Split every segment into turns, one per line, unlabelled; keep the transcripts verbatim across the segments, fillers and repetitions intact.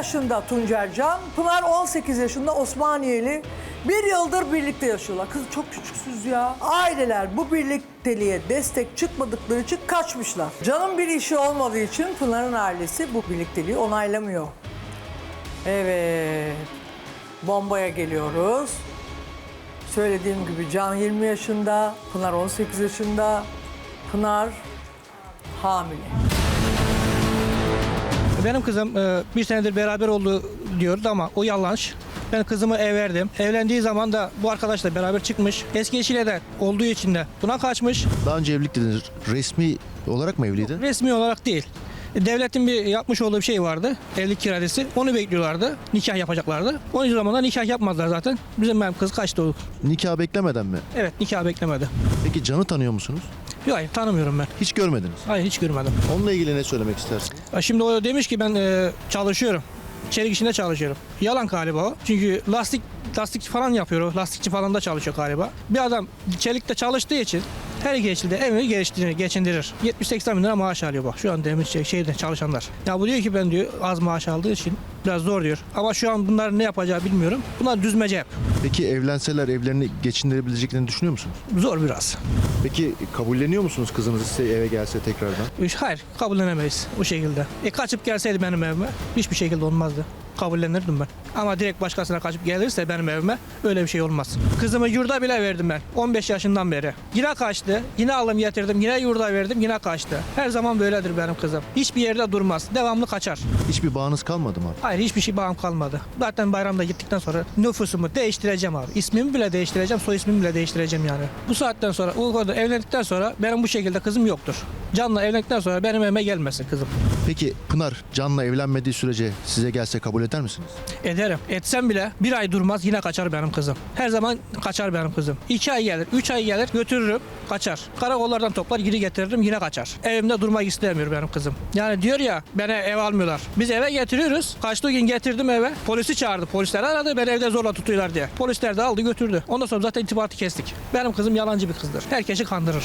yaşında Tuncer Can, Pınar on sekiz yaşında Osmaniyeli. Bir yıldır birlikte yaşıyorlar. Kız çok küçüksüz ya. Aileler bu birlikteliğe destek çıkmadıkları için kaçmışlar. Can'ın bir işi olmadığı için Pınar'ın ailesi bu birlikteliği onaylamıyor. Evet. Bombaya geliyoruz. Söylediğim gibi Can yirmi yaşında, Pınar on sekiz yaşında. Pınar hamile.
Benim kızım e, bir senedir beraber oldu diyordu ama o yanlış. Ben kızımı ev verdim. Evlendiği zaman da bu arkadaşla beraber çıkmış. Eski eşiyle de olduğu için de buna kaçmış.
Daha önce evlilik dediniz. Resmi olarak mı evliydi?
Resmi olarak değil. Devletin bir yapmış olduğu bir şey vardı. Evlilik kiradesi. Onu bekliyorlardı. Nikah yapacaklardı. O zaman da nikah yapmadılar zaten. Bizim benim kız kaçtı o.
Nikah beklemeden mi?
Evet, nikah beklemedi.
Peki Can'ı tanıyor musunuz?
Yok, hayır, tanımıyorum ben.
Hiç görmediniz.
Hayır, hiç görmedim.
Onunla ilgili ne söylemek istersiniz?
Şimdi o demiş ki ben e, çalışıyorum. Çelik işinde çalışıyorum. Yalan galiba o. Çünkü lastik lastikçi falan yapıyor. Lastikçi falan da çalışıyor galiba. Bir adam çelikte çalıştığı için her geçilde evini geçindirir. geçindirir. yetmiş seksen bin lira maaş alıyor bak. Şu an demir şey, şeyde çalışanlar. Ya bu diyor ki ben diyor az maaş aldığı için biraz zor diyor. Ama şu an bunlar ne yapacağı bilmiyorum. Bunlar düzmece hep.
Peki evlenseler evlerini geçindirebileceklerini düşünüyor musunuz?
Zor biraz.
Peki kabulleniyor musunuz kızınız size eve gelse tekrardan?
Hayır, kabullenemeyiz o şekilde. E kaçıp gelseydi benim evime hiçbir şekilde olmazdı. Kabullenirdim ben. Ama direkt başkasına kaçıp gelirse benim evime öyle bir şey olmaz. Kızımı yurda bile verdim ben on beş yaşından beri. Yine kaçtı, yine aldım getirdim, yine yurda verdim, yine kaçtı. Her zaman böyledir benim kızım. Hiçbir yerde durmaz, devamlı kaçar.
Hiçbir bağınız kalmadı mı abi?
Hayır, hiçbir şey bağım kalmadı. Zaten bayramda gittikten sonra nüfusumu değiştireceğim abi. İsmimi bile değiştireceğim, soy ismimi bile değiştireceğim yani. Bu saatten sonra, o kadar evlendikten sonra benim bu şekilde kızım yoktur. Can'la evlendikten sonra benim evime gelmesin kızım.
Peki Pınar Can'la evlenmediği sürece size gelse kabul eder misiniz?
Ederim. Etsem bile bir ay durmaz yine kaçar benim kızım. Her zaman kaçar benim kızım. İki ay gelir, üç ay gelir götürürüm kaçar. Karakollardan toplar geri getiririm yine kaçar. Evimde durmak istemiyor benim kızım. Yani diyor ya bana ev almıyorlar. Biz eve getiriyoruz. Kaçtığı gün getirdim eve. Polisi çağırdı. Polisler aradı beni evde zorla tutuyorlar diye. Polisler de aldı götürdü. Ondan sonra zaten irtibatı kestik. Benim kızım yalancı bir kızdır. Herkesi kandırır.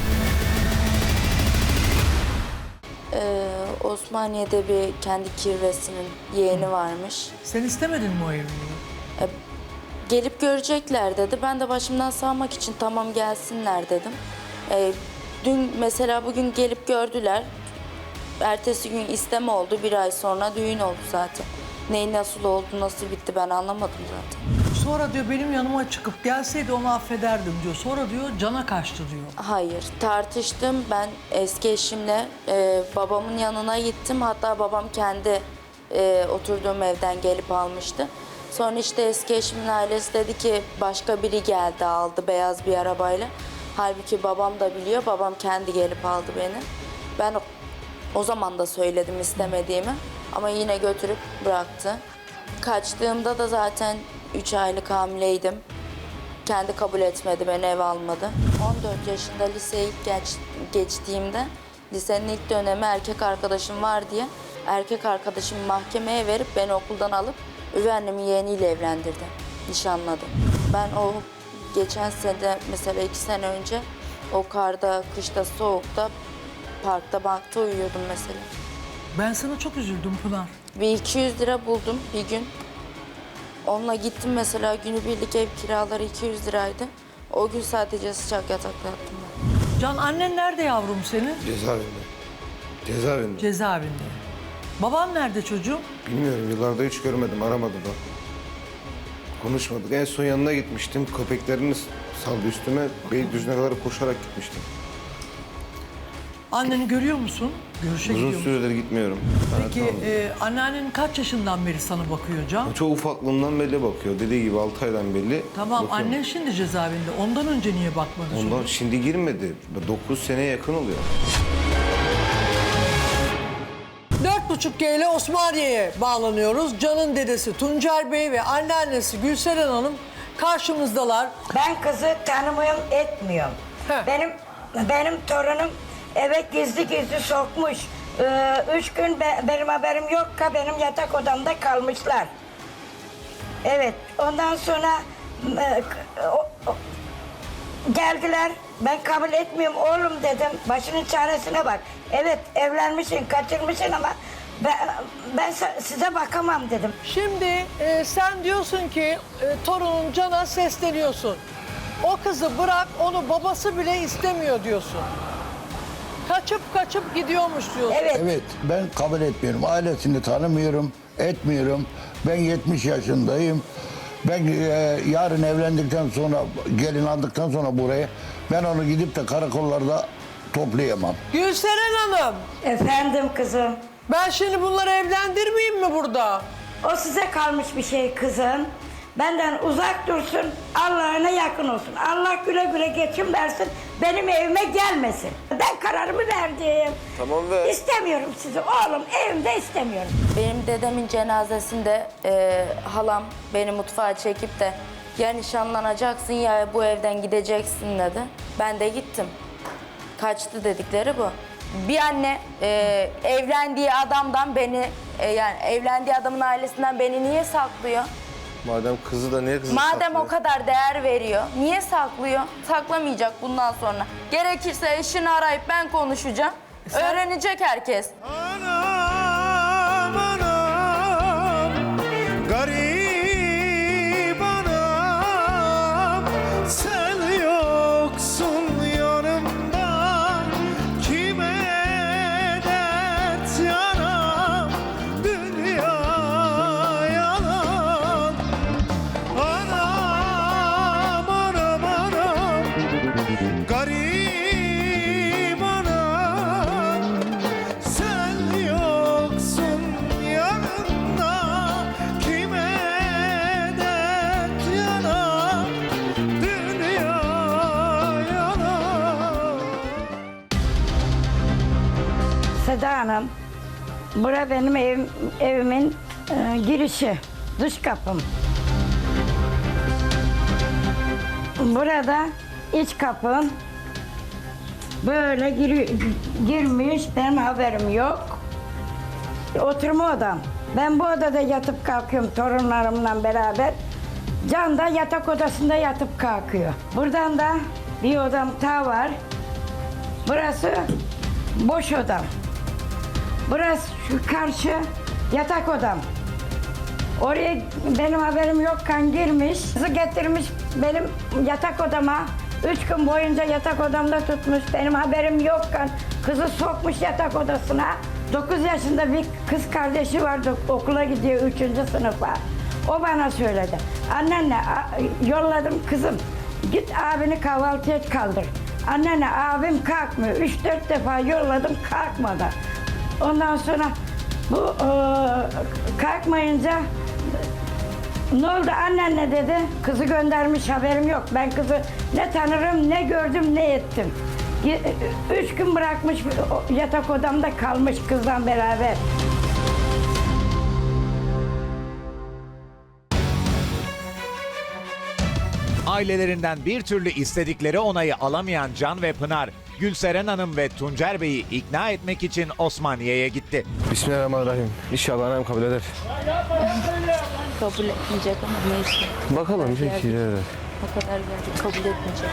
Ee, Osmaniye'de bir kendi kirvesinin yeğeni varmış.
Sen istemedin mi o evliliği?
Ee, gelip görecekler dedi. Ben de başımdan sağmak için tamam gelsinler dedim. Ee, dün mesela bugün gelip gördüler. Ertesi gün isteme oldu. Bir ay sonra düğün oldu zaten. Neyin nasıl oldu, nasıl bitti ben anlamadım zaten.
Sonra diyor benim yanıma çıkıp gelseydi onu affederdim diyor. Sonra diyor Can'a kaçtı diyor.
Hayır, tartıştım. Ben eski eşimle e, babamın yanına gittim. Hatta babam kendi e, oturduğum evden gelip almıştı. Sonra işte eski eşimin ailesi dedi ki başka biri geldi aldı beyaz bir arabayla. Halbuki babam da biliyor. Babam kendi gelip aldı beni. Ben o, o zaman da söyledim istemediğimi. Ama yine götürüp bıraktı. Kaçtığımda da zaten üç aylık hamileydim. Kendi kabul etmedi, beni eve almadı. on dört yaşında liseye ilk geç, geçtiğimde lisenin ilk dönemi erkek arkadaşım var diye erkek arkadaşımı mahkemeye verip beni okuldan alıp üvey annemin yeğeniyle evlendirdi, nişanladı. Ben o geçen sene mesela iki sene önce o karda, kışta, soğukta parkta, bankta uyuyordum mesela.
Ben sana çok üzüldüm Pınar.
Bir iki yüz lira buldum bir gün. Onunla gittim mesela günübirlik ev kiraları iki yüz liraydı. O gün sadece sıcak yatakta yattım ben.
Can annen nerede yavrum senin?
Cezaevinde. Cezaevinde.
Cezaevinde. Baban nerede çocuğum?
Bilmiyorum, yıllarda hiç görmedim, aramadı da. Konuşmadık. En son yanına gitmiştim. Köpeklerini saldı üstüme. Beylikdüzü'ne kadar koşarak gitmiştim.
Anneni görüyor musun? Görüşe gidiyor
Uzun
musun?
süredir gitmiyorum.
Peki e, anneannen kaç yaşından beri sana bakıyor Can?
Çok ufaklığımdan belli bakıyor. Dediği gibi altı aydan belli.
Tamam
bakıyorum.
annen şimdi cezaevinde. Ondan önce niye bakmadı
Ondan
çocuğum?
şimdi girmedi. dokuz seneye yakın oluyor.
Dört buçuk G ile Osmaniye'ye bağlanıyoruz. Can'ın dedesi Tuncer Bey ve anneannesi Gülseren Hanım karşımızdalar.
Ben kızı tanımıyorum, etmiyorum.
He.
Benim benim torunum eve gizli gizli sokmuş. Ee, üç gün be- benim haberim yok ki benim yatak odamda kalmışlar. Evet, ondan sonra e, o- o- geldiler. Ben kabul etmiyorum oğlum dedim. Başının çaresine bak. Evet evlenmişsin, kaçırmışsın ama Ben, ben sa- size bakamam dedim.
Şimdi e, sen diyorsun ki e, torunun Can'a sesleniyorsun. O kızı bırak, onu babası bile istemiyor diyorsun. Kaçıp kaçıp gidiyormuş diyorsun.
Evet.
Evet, ben kabul etmiyorum. Ailesini tanımıyorum, etmiyorum. Ben yetmiş yaşındayım. Ben e, yarın evlendikten sonra, gelin aldıktan sonra buraya, ben onu gidip de karakollarda toplayamam.
Gülseren Hanım,
Efendim kızım.
ben şimdi bunları evlendirmeyeyim mi burada?
O size kalmış bir şey kızım. Benden uzak dursun, Allah'ına yakın olsun. Allah güle güle geçim versin, benim evime gelmesin. Ben kararımı verdim.
Tamam ver.
İstemiyorum sizi oğlum, evimde istemiyorum.
Benim dedemin cenazesinde e, halam beni mutfağa çekip de ya nişanlanacaksın ya bu evden gideceksin dedi. Ben de gittim. Kaçtı dedikleri bu. Bir anne e, evlendiği adamdan beni, e, yani evlendiği adamın ailesinden beni niye saklıyor?
Madem kızı da niye kızı
Madem
saklıyor?
o kadar değer veriyor, niye saklıyor? Saklamayacak bundan sonra. Gerekirse eşini arayıp ben konuşacağım. Öğrenecek herkes.
Anam anam garip anam sen yoksun yanımda kime dert yanam dünya yalan anam anam anam garip anam sen yoksun yanımda kime dert yanam dünya yalan.
Seda Hanım, bura benim evim, evimin e, girişi, dış kapım. Burada iç kapım. Böyle giri- girmiş, benim haberim yok. Oturma odam. Ben bu odada yatıp kalkıyorum torunlarımla beraber. Can da yatak odasında yatıp kalkıyor. Buradan da bir odam daha var. Burası boş odam. Burası şu karşı yatak odam. Oraya benim haberim yokken girmiş, kızı getirmiş benim yatak odama. Üç gün boyunca yatak odamda tutmuş, benim haberim yokken kızı sokmuş yatak odasına. Dokuz yaşında bir kız kardeşi vardı, okula gidiyor üçüncü sınıfa. O bana söyledi. Annenle a- yolladım kızım, git abini kahvaltıya kaldır. Annene abim kalkmıyor. Üç dört defa yolladım, kalkmadı. Ondan sonra bu e, kalkmayınca ne oldu annenle dedi. Kızı göndermiş, haberim yok. Ben kızı ne tanırım, ne gördüm, ne ettim. Ge- Üç gün bırakmış, yatak odamda kalmış kızla beraber.
Ailelerinden bir türlü istedikleri onayı alamayan Can ve Pınar, Gülseren Hanım ve Tuncer Bey'i ikna etmek için Osmaniye'ye gitti.
Bismillahirrahmanirrahim. İnşallah annem kabul eder.
Kabul etmeyecek ama neyse.
Bakalım peki. Evet.
O kadar geldi, kabul etmeyecek.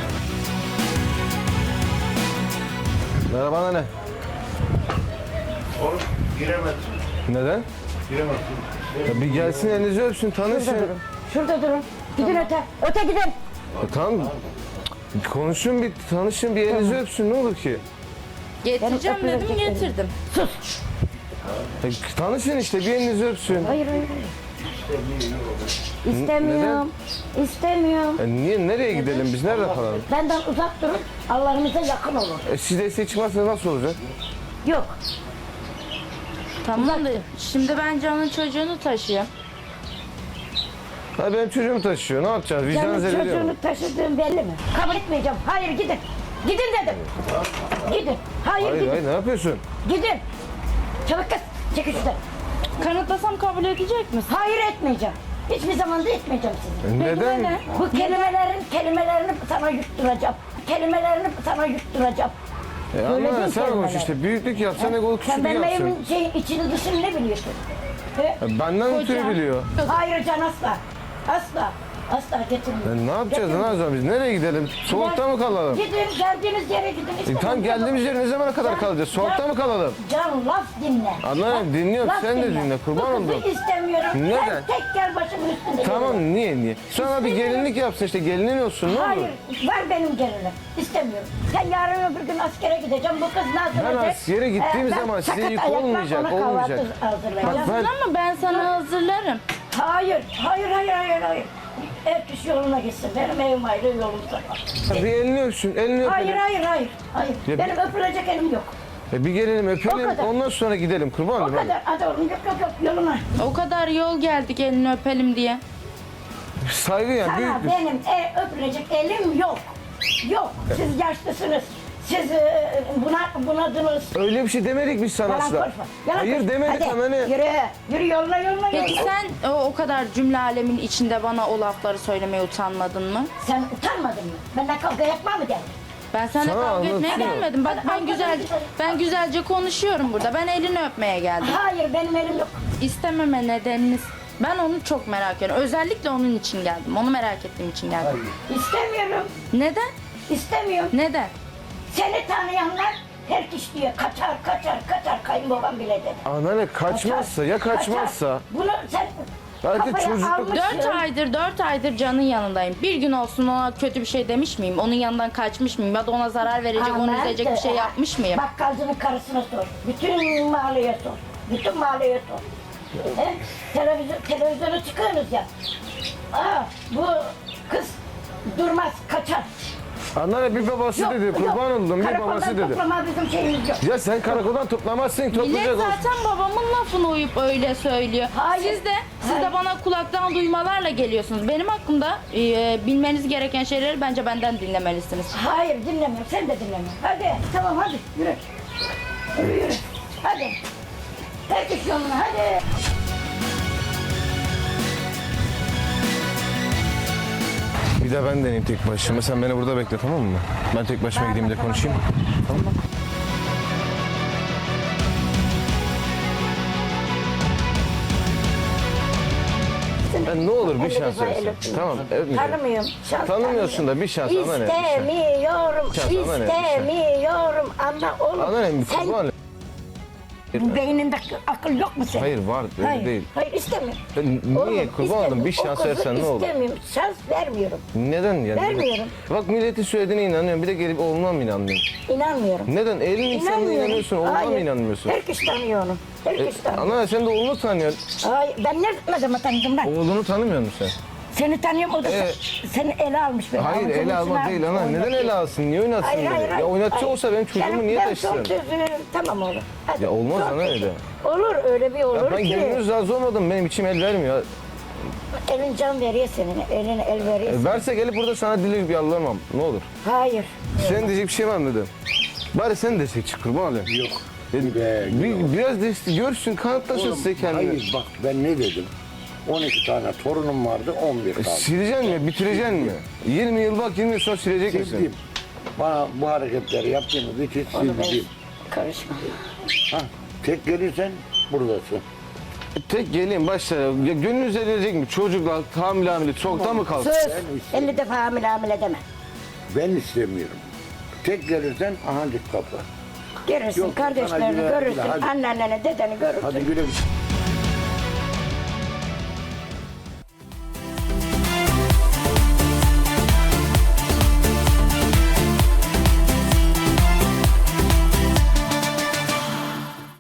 Merhaba anne.
Oğlum giremedim.
Neden?
Giremedim.
Ya bir gelsin elinizi öpsün, tanışın.
Şurada durun. Gidin öte. Öte gidin.
Ya tamam. Konuşun bir, tanışın bir elinizi öpsün ne olur ki?
Getireceğim dedim, getirdim.
Ya tanışın işte bir elinizi öpsün.
Hayır hayır. hayır. İstemiyorum. İstemiyorum.
Ya niye, nereye gidelim biz, nerede kalalım?
Benden uzak durun. Allah'ınıza yakın olun.
E siz destek çıkmazsanız nasıl olacak?
Yok.
Tamam da şimdi ben Can'ın çocuğunu taşıyorum.
Ha benim çocuğumu taşıyor, ne yapacağız? Vicdan
Canım
zedeliyor mu?
çocuğunu taşıdığım belli mi? Kabul etmeyeceğim. Hayır gidin. Gidin dedim. Gidin. Hayır,
Hayır
gidin.
hayır, ne yapıyorsun?
Gidin. Çabuk kız. Çekil şuradan.
Kanıtlasam kabul edecek misin?
Hayır etmeyeceğim. Hiçbir zaman da etmeyeceğim sizi.
E neden?
ne?
Bu kelimelerin kelimelerini sana yutturacağım. Kelimelerini sana yutturacağım.
E
Öyle
anne
değil
sen konuş
kelimeler.
işte, büyüklük yapsan egolu
Sen
küçüklük
benim
yapsın.
evimin şey, içini dışını ne biliyorsun? He?
E benden ötürü biliyor.
Hayır Can asla. Asla. Asla getirmiyorum.
E, ne yapacağız? Ne
Getirmiyorum.
yapacağız biz? Nereye gidelim? Soğukta mı kalalım?
Gidin, geldiğiniz yere gidin.
E,
İstemiyorum.
tam geldiğimiz yere ne zamana kadar
Can-
kalacağız? Soğukta
Can-
mı kalalım?
Can laf dinle.
Anlarım,
Bak,
dinliyorum.
laf
Sen de dinle, kurban
Bu kızı
oldum.
istemiyorum.
Neden?
Sen tek gel başımın üstünde.
Tamam,
yürü.
niye niye? Sana bir gelinlik yapsın işte, gelinin olsun, ne olur?
Hayır, var benim gelinim. İstemiyorum. Sen yarın öbür gün askere gideceğim. Bu kız ne hazırlayacak?
Ben askere gittiğim
Ee, ben
zaman size
sakat
yük
ayakla
olmayacak,
ona kahvaltı
olmayacak.
hazırlayacağım.
Bak ben-
Ama ben sana hazırlarım.
Hayır, hayır, hayır, hayır, hayır. Herkes yoluna gitsin. Benim evim ayrı, yolum sakal.
Bir elini öpsün, elini
Hayır,
öpelim.
hayır, hayır, hayır.
Ya-
Benim öpülecek elim yok.
E, bir gelelim,
O
öpelim,
kadar.
ondan sonra gidelim, kurban
O
olayım. hadi.
kadar. Hadi oğlum, yok, yok, yok, yoluna.
O kadar yol geldik elini öpelim diye.
Saygı ya,
Sana
büyük bir...
benim e, öpülecek elim yok. Yok. Siz yaşlısınız. Siz e, buna, bunadınız.
Öyle bir şey demedik biz sana
Yalan
asla.
konuşma. Yalan
Hayır
konuşma.
demedik
Hadi,
ama ne?
Yürü. Yürü yoluna yoluna
Peki
yoluna.
sen o, o kadar cümle alemin içinde bana o lafları söylemeye utanmadın mı?
Sen utanmadın mı? Benden kavga yapma mı geldin?
Ben seninle
Sana
kavga etmeye
anlatıyorum.
gelmedim. Bak
Hadi,
ben
hadi,
güzelce
hadi.
ben güzelce konuşuyorum burada. Ben elini öpmeye geldim.
Hayır benim elim yok.
İstememe nedeniniz. Ben onu çok merak ediyorum. Özellikle onun için geldim. Onu merak ettiğim için geldim.
İstemiyorum.
Neden?
İstemiyorum.
Neden?
Seni tanıyanlar her kişi diyor kaçar kaçar kaçar kayınbabam bile dedi.
Anneanne kaçmazsa, ya kaçmazsa?
Kaçar. Bunu sen
Belki
kafaya
çocukluk-
almışsın.
Dört aydır, dört aydır Can'ın yanındayım. Bir gün olsun ona kötü bir şey demiş miyim? Onun yanından kaçmış mıyım? Ya da ona zarar verecek, onu
Aman
üzecek bir şey
de.
yapmış mıyım?
Bakkalcının karısına sor. Bütün mahalleye sor. Bütün mahalleye sor. He? Televizyon, televizyona çıkıyorsunuz ya. Aa, bu kız durmaz, kaçar.
Anneanne bir babası
Yok,
dedi,
yok.
kurban oldum, bir
Karakoldan
babası dedi.
toplama bizim şeyimiz yok.
Ya sen karakoldan toplamazsın,
Millet
toplayacak olsun.
zaten babamın lafını uyup öyle söylüyor.
Hayır.
Siz de siz
Hayır.
de bana kulaktan duymalarla geliyorsunuz. Benim hakkımda e, bilmeniz gereken şeyleri bence benden dinlemelisiniz.
Hayır dinlemiyorum, sen de dinlemiyorsun. Hadi, tamam hadi, yürü. Yürü, yürü. Hadi. Herkes yoluna, hadi.
Bir de ben deneyeyim tek başıma. Sen beni burada bekle, tamam mı? Ben tek başıma gideyim de konuşayım. Tamam mı? Ya ne olur bir şans versin. Tamam, öpmeyeceğim.
Tanımıyorum. Şans
Tanımıyorsun da bir şans, ana ne? Bir şans.
İstemiyorum,
Şans, ana ne? Bir şans.
istemiyorum. Ama oğlum,
Ana ne?
sen
Kurban.
beyninde akıl yok mu senin?
Hayır var, öyle
Hayır,
değil.
hayır istemiyorum.
Ya Niye?
Oğlum,
Kurban oldum,
istemiyorum.
bir şans
O kızı
versen ne olur?
İstemiyorum, şans vermiyorum.
Neden yani?
Vermiyorum.
Bak milletin söylediğine inanıyorum. Bir de gelip oğluna mı inanmıyorum?
İnanmıyorum.
Neden? Elin insanına
İnanmıyorum.
inanıyorsun, oğluna mı
Hayır,
inanmıyorsun?
Herkes tanıyor onu. Herkes tanıyor.
Ana sen de oğlunu tanıyorsun.
Hayır, ben ne, ne zaman tanıdım ben?
Oğlunu tanımıyor musun sen?
Seni tanıyorum, o da
Ee,
seni ele almış beni.
Hayır
Avucunun
ele
içine
almak değil ana.
almış,
Neden
oynatıyor.
ele alsın? Niye oynatsın
Hayır,
beni?
hayır, hayır.
Ya oynatçı
hayır.
olsa benim çocuğumu
Ben-
niye
ben
taşısın?
son sözünü tamam oğlum. Hadi.
Ya olmaz
Son
ana
sözü.
öyle.
Olur öyle bir olur
Ya ben
ki.
gönlünüz razı olmadım. Benim içim el vermiyor.
Elin can veriyor senin. Eline el veriyor.
E, verse gelip burada sana dili bir yalvarmam. Ne olur.
Hayır.
Senin diyecek bir şey var mı dedim. Bari sen destek çık kurban olayım.
Yok.
E,
Be,
bir, biraz destek görsün, kanıtlasın size kendini.
Hayır bak ben ne dedim? on iki tane torunum vardı, on bir
E,
kaldı.
sileceksin mi? Bitireceksin mi? yirmi yıl bak, yirmi yıl sonra silecek misin?
Sildim. Bana bu hareketleri yaptığınız için sildim.
Karışma.
Ha, tek gelirsen buradasın.
E, tek geleyim başla. Ya, gönlünüz edilecek mi? Çocuklar, hamile hamile, çoktan mı kalsın?
Söz. elli defa hamile hamile deme.
Ben istemiyorum. Tek gelirsen ahancık kapı.
Görürsün
Yok, sana
kardeşlerini
güle-
görürsün.
güle, hadi.
Anneanneni dedeni görürsün.
Hadi güle güle.